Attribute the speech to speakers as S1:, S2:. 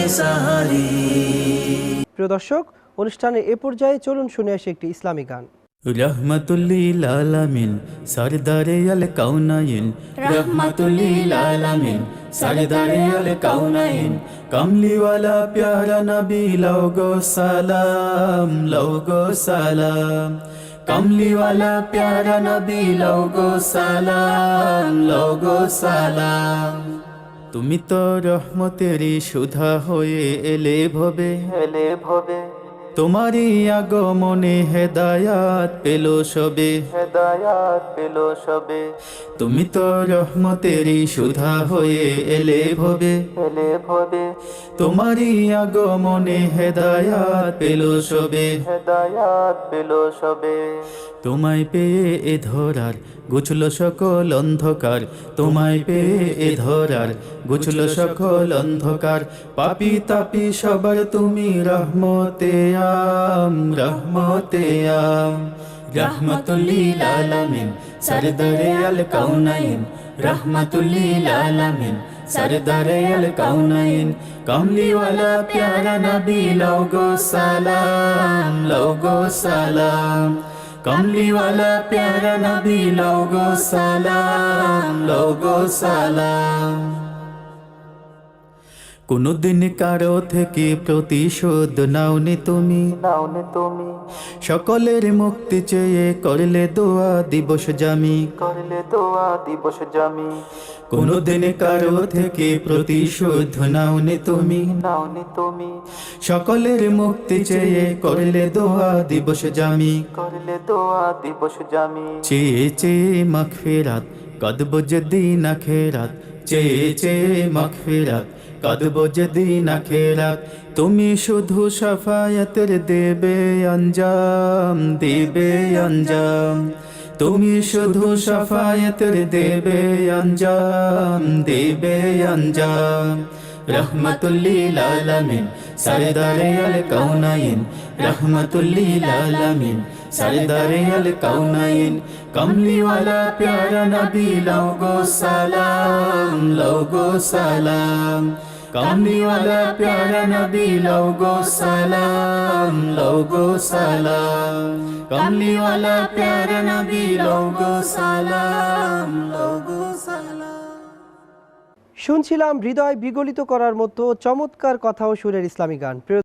S1: সাহারি।
S2: প্রিয় দর্শক, অনুষ্ঠানের এ পর্যায়ে চলুন শুনে আসি একটি ইসলামী গান।
S3: রহমতুল্লিল আলামিন সরদারে আল কাউনাইন, রহমতুল্লিল আলামিন সরদারে আল কাউনাইন, কমলিওয়ালা প্যারা নবী লোগো সালাম, লোগো সালাম, কমলিওয়ালা প্যারা নবী লোগো সালাম, লোগো সালাম। তুমি তো রহমতেরই সুধা হয়ে এলে ভবে, এলে ভবে, তোমারই আগমনে হেদায়াত পেল সবে, হেদায়াত পেল সবে। তুমি তো রহমতেরই সুধা হয়ে এলে ভবে, এলে ভবে, তোমারই আগমনে হেদায়াত পেল সবে, হেদায়াত পেল সবে। তোমায় পেয়ে এ ধরার গুছল সকল অন্ধকার, তোমায় পেয়ে এ ধরার গুছল সকল অন্ধকার। পাপী তাপী সবার তুমি রহমতে আম, রহমতে আম। রহমতুল্লিল আলামিন সরদারে আল কাউনাইন, রহমতুল্লিল আলামিন সরদারে আল কাউনাইন, কমলিওয়ালা প্যারা নবী লোগো সালাম, লোগো সালাম, কমলিওয়ালা প্যারা নবী লোগো সালাম, লোগো সালাম। কোনদিন কারো থেকে প্রতিশোধ নাওনি তুমি, নাওনি তুমি, সকলের মুক্তি চেয়ে করলে দোয়া দিবস জামি, করলে দোয়া দিবস জামি। কোনদিন কারো থেকে প্রতিশোধ নাওনি তুমি, নাওনি তুমি, সকলের মুক্তি চেয়ে করলে দোয়া দিবস জামি, করলে দোয়া দিবস জামি। চেয়ে চেয়ে মাগফিরাত কদব যেদিন আখিরাত, চেয়ে চেয়ে মাগফিরাত কদব যেদিন আখিরাত। তুমি শুধু শাফায়াতের দেবে আঞ্জাম, দেবে আঞ্জাম, তুমি শুধু শাফায়াতের দেবে আঞ্জাম, দেবে আঞ্জাম। রহমতুল্লিল আলামিন সরদারে আল কাউনাইন, রহমতুল্লিল আলামিন সরদারে আল কাউনাইন, কমলিওয়ালা প্যারা নবী লোগো সালাম, লোগো সালাম, কমলিওয়ালা প্যারা নবী লোগো সালাম, লোগো সালাম, কমলিওয়ালা প্যারা নবী লোগো সালাম, লোগো সালাম।
S2: শুনছিলাম হৃদয় বিগলিত করার মতো চমৎকার কথা ও সুরের ইসলামী গান। প্রিয়